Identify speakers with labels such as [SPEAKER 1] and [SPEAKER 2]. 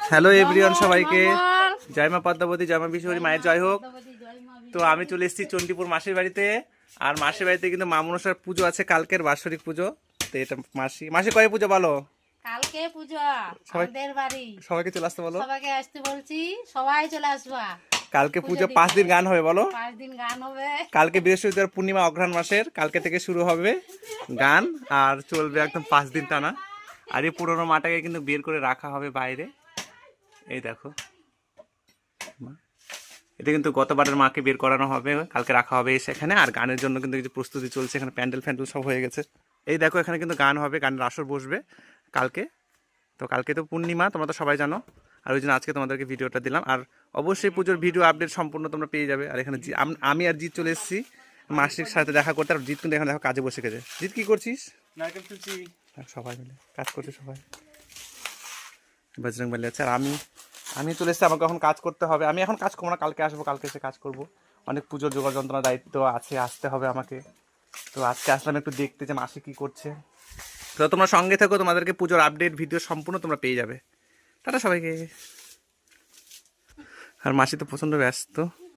[SPEAKER 1] Hello everyone, সবাইকে
[SPEAKER 2] মঙ্গল।
[SPEAKER 1] জয় মা পদ্মাবতী, জয় মা বিশ্বরী, মায়ের জয় হোক। তো আমি চলে এসেছি চণ্ডীপুর মাসির বাড়িতে। আর মাসির বাড়িতে কিন্তু মা মনসার পুজো আছে, কালকের বাৎসরিক পুজো। তো এটা মাসি মাসি কয়ে পুজো বলো?
[SPEAKER 2] কালকে পুজো
[SPEAKER 1] সবাই
[SPEAKER 2] আমাদের বাড়ি।
[SPEAKER 1] সবাইকে চলে আসতে বলো।
[SPEAKER 2] সবাইকে আসতে বলছি, সবাই চলে আসবা।
[SPEAKER 1] কালকে পুজো
[SPEAKER 2] পুজো
[SPEAKER 1] 5 দিন
[SPEAKER 2] দিতে।
[SPEAKER 1] গান হবে বলো।
[SPEAKER 2] 5 দিন গান হবে।
[SPEAKER 1] কালকে বৃহস্পতিবার পূর্ণিমা অঘ্রাণ মাসের, কালকে থেকে শুরু হবে গান আর চলবে একদম 5 দিন টানা। আর এই পুরোনো মাটাকে কিন্তু বের করে রাখা হবে বাইরে। এই দেখো, এটা কিন্তু গতবারের মাকে বের করানো হবে, কালকে রাখা হবে সেখানে। আর গানের জন্য কিন্তু কিছু প্রস্তুতি চলছে, এখানে প্যান্ডেল ফ্যান্ডেল সব হয়ে গেছে। এই দেখো, এখানে কিন্তু গান হবে, গানের আসর বসবে কালকে। তো কালকে তো পূর্ণিমা, তোমরা তো সবাই জানো। আর ওই জন্য আজকে তোমাদেরকে ভিডিওটা দিলাম। আর অবশ্যই পুজোর ভিডিও আপডেট সম্পূর্ণ তোমরা পেয়ে যাবে। আর এখানে আমি আর জিৎ চলে এসেছি মাসির সাথে দেখা করতে। আর জিৎ কিন্তু এখানে দেখো কাজে বসে গেছে। জিৎ কি করছিস?
[SPEAKER 3] নারকেল তুলছি।
[SPEAKER 1] সবাই মিলে কাজ করছে, সবাই বজরং বলি। আচ্ছা, আর আমি চলে এসেছি, আমাকে এখন কাজ করতে হবে। আমি এখন কাজ করবো না, কালকে আসবো, কালকে এসে কাজ করব। অনেক পুজোর জোগাড় যন্ত্রণার দায়িত্ব আছে, আসতে হবে আমাকে। তো আজকে আসলাম একটু দেখতে যে মাসি কী করছে। তো তোমরা সঙ্গে থেকো, তোমাদেরকে পুজোর আপডেট ভিডিও সম্পূর্ণ তোমরা পেয়ে যাবে। টাটা সবাইকে। আর মাসি তো প্রচণ্ড ব্যস্ত।